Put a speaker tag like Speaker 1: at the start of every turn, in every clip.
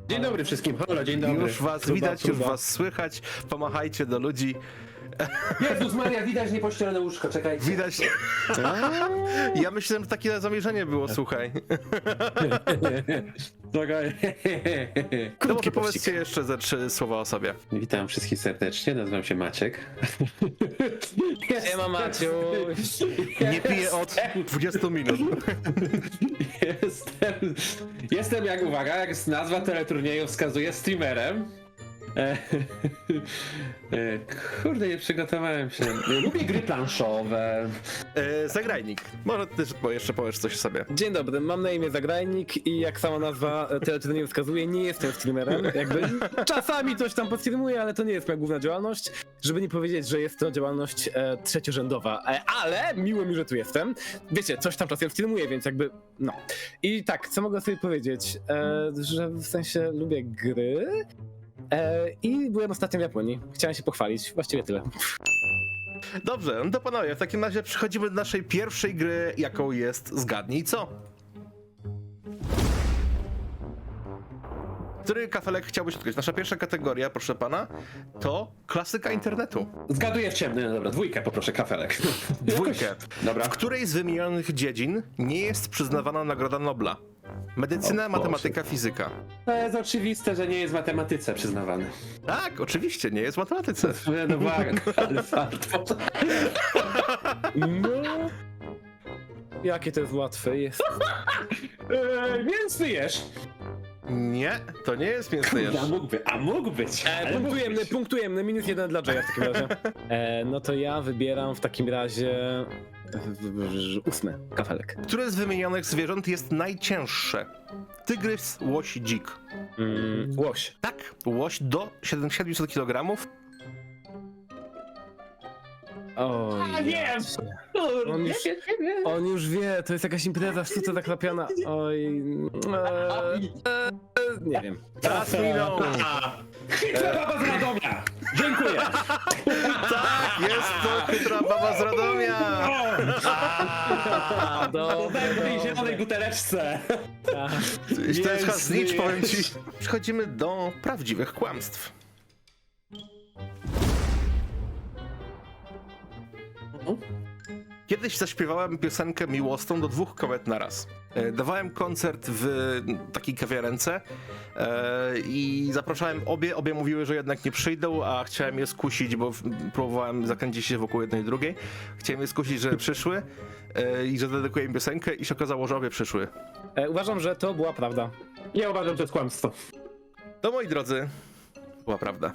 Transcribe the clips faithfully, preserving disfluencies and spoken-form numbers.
Speaker 1: Dzień dobry wszystkim, halo, dzień dobry.
Speaker 2: Już was
Speaker 1: Próba,
Speaker 2: widać,
Speaker 1: próba.
Speaker 2: już was słychać. Pomachajcie do ludzi.
Speaker 1: Jezus Maria, widać niepościelone łóżko, czekajcie.
Speaker 2: Widać. Ja myślałem, że takie zamierzenie było, słuchaj.
Speaker 1: Czekaj.
Speaker 2: No może powiedzcie jeszcze ze trzy słowa o sobie.
Speaker 1: Witam wszystkich serdecznie, nazywam się Maciek.
Speaker 3: Siema Maciuś.
Speaker 2: Nie piję od dwudziestu minut.
Speaker 1: Jestem, jestem jak, uwaga, jak nazwa teleturnieju wskazuje, streamerem. E, e, kurde, nie przygotowałem się. Lubię gry planszowe.
Speaker 2: E, zagrajnik. Może ty jeszcze powiesz coś o sobie.
Speaker 3: Dzień dobry, mam na imię Zagrajnik i jak sama nazwa teleturnieju wskazuje, nie jestem streamerem. Jakby czasami coś tam podstreamuję, ale to nie jest moja główna działalność. Żeby nie powiedzieć, że jest to działalność e, trzeciorzędowa, e, ale miło mi, że tu jestem. Wiecie, coś tam czasem streamuję, więc jakby no. I tak, co mogę sobie powiedzieć? E, że w sensie lubię gry. E, I byłem ostatnio w Japonii. Chciałem się pochwalić. Właściwie tyle.
Speaker 2: Dobrze, no to panowie, w takim razie przechodzimy do naszej pierwszej gry, jaką jest Zgadnij Co. Który kafelek chciałbyś odkryć? Nasza pierwsza kategoria, proszę pana, to klasyka internetu.
Speaker 1: Zgaduję w ciemny, no dobra, dwójkę poproszę, kafelek.
Speaker 2: Dwójkę.
Speaker 1: Dobra.
Speaker 2: W której z wymienionych dziedzin nie jest przyznawana Nagroda Nobla? Medycyna,
Speaker 1: O Boże.
Speaker 2: matematyka, fizyka.
Speaker 1: To jest oczywiste, że nie jest w matematyce przyznawany.
Speaker 2: Tak, oczywiście, nie jest w matematyce.
Speaker 1: No uwaga, ale fart.
Speaker 3: No. Jakie to jest łatwe jest.
Speaker 1: Eee, więc ty jesz.
Speaker 2: Nie, to nie jest mięsny jeż.
Speaker 1: A mógłby, a mógł być.
Speaker 3: E,
Speaker 1: ale mógł
Speaker 3: punktujemy,
Speaker 1: być.
Speaker 3: punktujemy. Minus jeden dla Jaya w takim razie. E, no to ja wybieram w takim razie ósmy kafelek.
Speaker 2: Które z wymienionych zwierząt jest najcięższe? Tygrys, łoś, dzik.
Speaker 3: Mm, łoś.
Speaker 2: Tak, łoś do siedemset kilogramów.
Speaker 3: Oj.
Speaker 1: A wiem! Kurde,
Speaker 3: On już-
Speaker 1: nie, nie, nie.
Speaker 3: On już wie, to jest jakaś impreza w sztuce zaklapiana. Oj. E, e, nie wiem.
Speaker 2: Czas minął.
Speaker 1: Chytra baba z Radomia! Dziękuję!
Speaker 2: Tak, jest to chytra baba z Radomia.
Speaker 3: A,
Speaker 1: To tak w tej
Speaker 3: dobra.
Speaker 1: zielonej buteleczce!
Speaker 2: Jeśli to jest
Speaker 1: Jest,
Speaker 2: hasnicz, powiem ci.
Speaker 1: jest.
Speaker 2: Przechodzimy do prawdziwych kłamstw. Kiedyś zaśpiewałem piosenkę miłosną do dwóch kobiet naraz. E, Dawałem koncert w takiej kawiarence e, i zapraszałem obie, obie mówiły, że jednak nie przyjdą, a chciałem je skusić, bo w- próbowałem zakręcić się wokół jednej i drugiej. Chciałem je skusić, że przyszły e, i że dedykuję im piosenkę i się okazało, że obie przyszły.
Speaker 3: E, uważam, że to była prawda.
Speaker 1: Ja uważam, że to jest kłamstwo.
Speaker 2: To, moi drodzy, była prawda.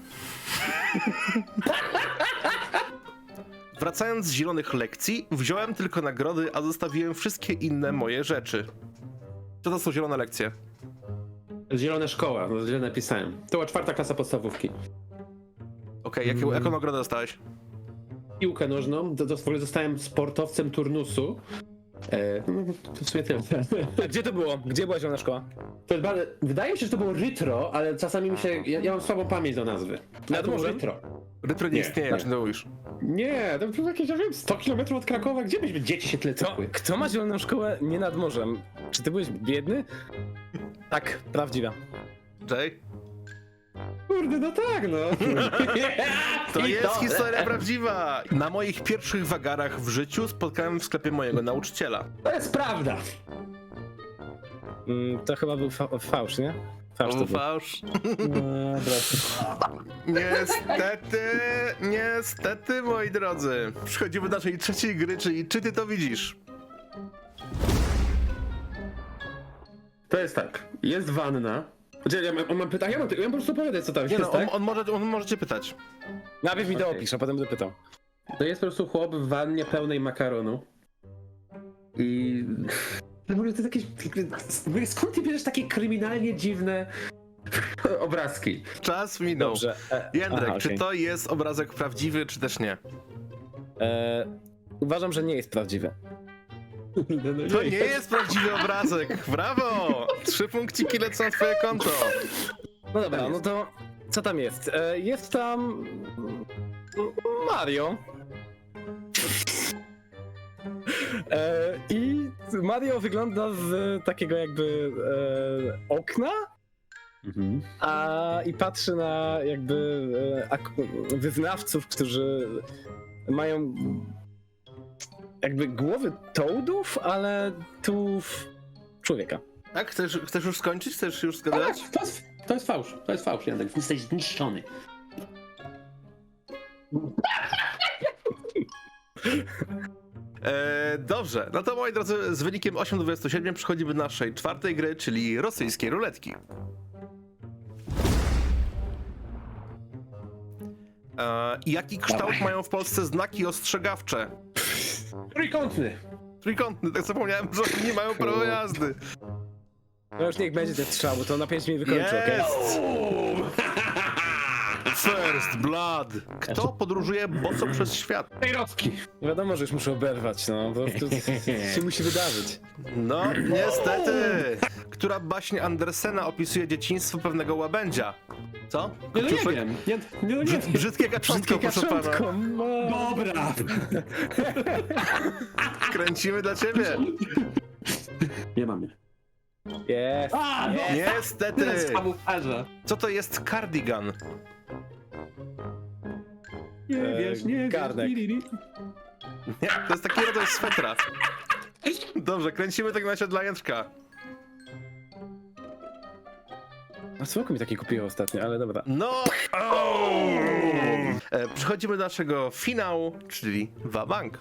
Speaker 2: Wracając z zielonych lekcji, wziąłem tylko nagrody, a zostawiłem wszystkie inne moje rzeczy. Co to są zielone lekcje?
Speaker 1: Zielona szkoła, no źle napisałem. To była czwarta klasa podstawówki.
Speaker 2: Okej, jaką, jaką nagrodę dostałeś?
Speaker 1: Piłkę nożną, to, to w ogóle zostałem sportowcem turnusu. E, no, to w sumie tyle.
Speaker 3: A gdzie to było? Gdzie była zielona szkoła?
Speaker 1: To jest bardzo, wydaje mi się, że to było Rytro, ale czasami mi się. Ja, ja mam słabą pamięć do nazwy. Ale
Speaker 3: Nad
Speaker 1: to było
Speaker 3: morzem?
Speaker 1: Rytro.
Speaker 2: Rytro nie
Speaker 1: Nie,
Speaker 2: istnieje,
Speaker 1: tak.
Speaker 2: czy to mówisz?
Speaker 1: Nie, to było jakieś, ja wiem, sto kilometrów od Krakowa, gdzie byśmy dzieci się tyle
Speaker 3: Kto,
Speaker 1: cykły?
Speaker 3: kto ma zieloną szkołę nie nad morzem? Czy ty byłeś biedny? Tak, prawdziwa.
Speaker 2: Jay?
Speaker 1: Kurde, no tak, no.
Speaker 2: To
Speaker 1: I
Speaker 2: jest historia prawdziwa! Na moich pierwszych wagarach w życiu spotkałem w sklepie mojego nauczyciela.
Speaker 1: To jest prawda.
Speaker 3: Mm, to chyba był fa fałsz, nie? Fałsz to
Speaker 2: O,
Speaker 3: był.
Speaker 2: fałsz.
Speaker 3: Dobra.
Speaker 2: Niestety, niestety, moi drodzy. Przechodzimy do naszej trzeciej gry, czyli czy ty to widzisz?
Speaker 1: To jest tak, jest wanna. Znaczy, ja mam, on mam pytanie, ja mam, ja mam po prostu opowiadać, co tam
Speaker 2: Nie
Speaker 1: jest,
Speaker 2: no, on,
Speaker 1: tak?
Speaker 2: on, może, on może cię pytać.
Speaker 3: Najpierw mi to
Speaker 1: Okej.
Speaker 3: opisz, a potem będę pytał.
Speaker 1: To jest po prostu chłop w wannie pełnej makaronu. I... W ogóle to jest jakieś... Skąd ty bierzesz takie kryminalnie dziwne obrazki?
Speaker 2: Czas minął.
Speaker 3: Dobrze. E,
Speaker 2: Jędrek,
Speaker 3: aha,
Speaker 2: czy
Speaker 3: okej.
Speaker 2: to jest obrazek prawdziwy, czy też nie?
Speaker 3: E, uważam, że nie jest prawdziwy.
Speaker 2: To nie jest prawdziwy obrazek. Brawo! Trzy punkciki lecą na twoje konto.
Speaker 3: No dobra, no to co tam jest? E, jest tam Mario. E, I Mario wygląda z takiego jakby e, okna
Speaker 1: Mhm.
Speaker 3: A i patrzy na jakby e, ak- wyznawców, którzy mają jakby głowy toadów, ale tu człowieka.
Speaker 2: Tak? Chcesz, chcesz już skończyć? Chcesz już
Speaker 1: Tak,
Speaker 2: zgadać?
Speaker 1: to jest, to jest fałsz, to jest fałsz, Jędrek. Jesteś zniszczony.
Speaker 2: E, dobrze, no to moi drodzy, z wynikiem osiem do dwudziestu siedmiu przechodzimy do naszej czwartej gry, czyli rosyjskiej ruletki. E, jaki kształt
Speaker 1: Dawaj.
Speaker 2: mają w Polsce znaki ostrzegawcze?
Speaker 1: Trójkątny.
Speaker 2: Trójkątny, tak zapomniałem, że oni nie mają prawa jazdy.
Speaker 3: No już niech będzie ten strzał, bo to na pięć minut wykończy, okej?
Speaker 2: Jest! First blood. Kto podróżuje boso przez świat?
Speaker 1: Fejrowski.
Speaker 3: Nie wiadomo, że już muszę oberwać, no, bo to się musi wydarzyć.
Speaker 2: No, niestety. Która baśń Andersena opisuje dzieciństwo pewnego łabędzia? Co?
Speaker 1: Nie, no nie
Speaker 2: Kopciuszek?
Speaker 1: wiem. Nie, nie, no nie
Speaker 2: Brzyd, brzydkie kaczątko, proszę pana.
Speaker 3: Kaczątko, no.
Speaker 1: Dobra.
Speaker 2: Kręcimy dla ciebie.
Speaker 1: Nie mamy.
Speaker 3: Jest.
Speaker 1: A, no.
Speaker 2: Niestety.
Speaker 1: Teraz kamuflaża.
Speaker 2: Co to jest cardigan?
Speaker 1: Nie
Speaker 3: E,
Speaker 1: wiesz, nie
Speaker 3: garnek.
Speaker 1: wiesz. Li, li, li.
Speaker 2: Nie, to jest taki rodzaj swetra. Dobrze, kręcimy tak na razie dla Jędrka.
Speaker 3: A słoko mi taki kupiło ostatnio, ale dobra.
Speaker 2: No! E, Przechodzimy do naszego finału, czyli Wabank.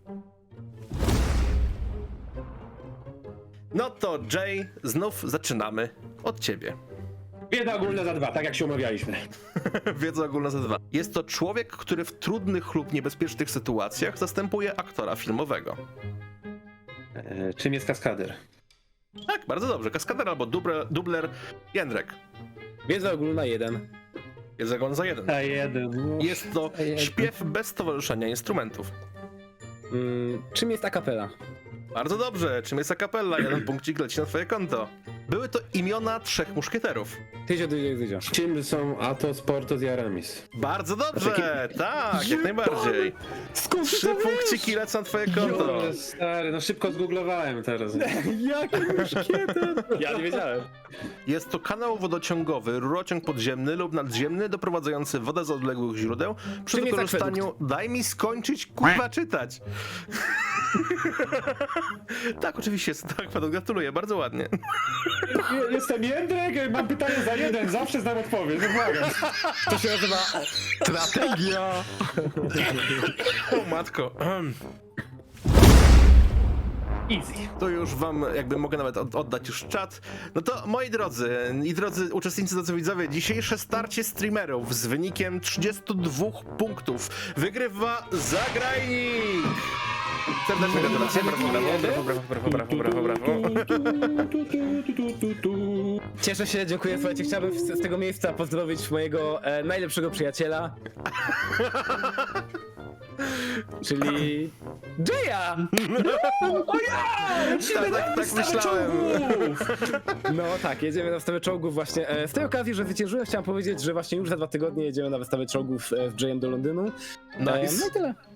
Speaker 2: No to Jay, znów zaczynamy od ciebie.
Speaker 1: Wiedza ogólna za dwa, tak jak się umawialiśmy.
Speaker 2: Wiedza ogólna za dwa. Jest to człowiek, który w trudnych lub niebezpiecznych sytuacjach zastępuje aktora filmowego.
Speaker 1: E, czym jest kaskader?
Speaker 2: Tak, bardzo dobrze. Kaskader albo dubler, dubler Jędrek.
Speaker 3: Wiedza ogólna jeden.
Speaker 2: Jest zagon za jeden.
Speaker 1: A jeden.
Speaker 2: Jest to śpiew bez towarzyszenia instrumentów.
Speaker 3: Mm, czym jest akapela?
Speaker 2: Bardzo dobrze. Czym jest a cappella? Jeden punkcik leci na twoje konto. Były to imiona trzech muszkieterów.
Speaker 3: Tyzio, tyzio, tyzio.
Speaker 1: Czym są Athos, Porthos i Aramis?
Speaker 2: Bardzo dobrze, tak, jak najbardziej.
Speaker 3: Skąd
Speaker 2: Trzy punkciki lecą na twoje konto.
Speaker 1: Jole, stary, no szybko zgooglowałem teraz.
Speaker 3: Jaki muszkieter? Ja nie wiedziałem.
Speaker 2: Jest to kanał wodociągowy, rurociąg podziemny lub nadziemny doprowadzający wodę z odległych źródeł przy
Speaker 3: Czym jest
Speaker 2: wykorzystaniu... Daj mi skończyć, kurwa, czytać. Tak, oczywiście jest to akwadukt, gratuluję, bardzo ładnie.
Speaker 1: Jestem Jędrek, mam pytanie za jeden, zawsze znam odpowiedź, no błagam.
Speaker 3: To się nazywa strategia.
Speaker 2: O matko.
Speaker 1: Easy.
Speaker 2: To już wam jakby mogę nawet od- oddać już czat. No to moi drodzy i drodzy uczestnicy, drodzy widzowie, dzisiejsze starcie streamerów z wynikiem trzydziestu dwóch punktów wygrywa Zagrajnik! Serdeczne gratulacje, brawo, brawo, brawo, brawo, brawo, brawo, brawo, brawo.
Speaker 3: Cieszę się, dziękuję. Słuchajcie, chciałbym z, z tego miejsca pozdrowić mojego e, najlepszego przyjaciela. Czyli Jaya!
Speaker 1: O ja! Lecimy
Speaker 2: Tak, tak,
Speaker 1: na
Speaker 2: tak
Speaker 1: wystawę
Speaker 2: myślałem.
Speaker 1: czołgów!
Speaker 3: No tak, jedziemy na wystawę czołgów właśnie. E, z tej okazji, że zwyciężyłem, chciałem powiedzieć, że właśnie już za dwa tygodnie jedziemy na wystawę czołgów e, z Jayem do Londynu. E,
Speaker 2: Nice.
Speaker 3: no i tyle.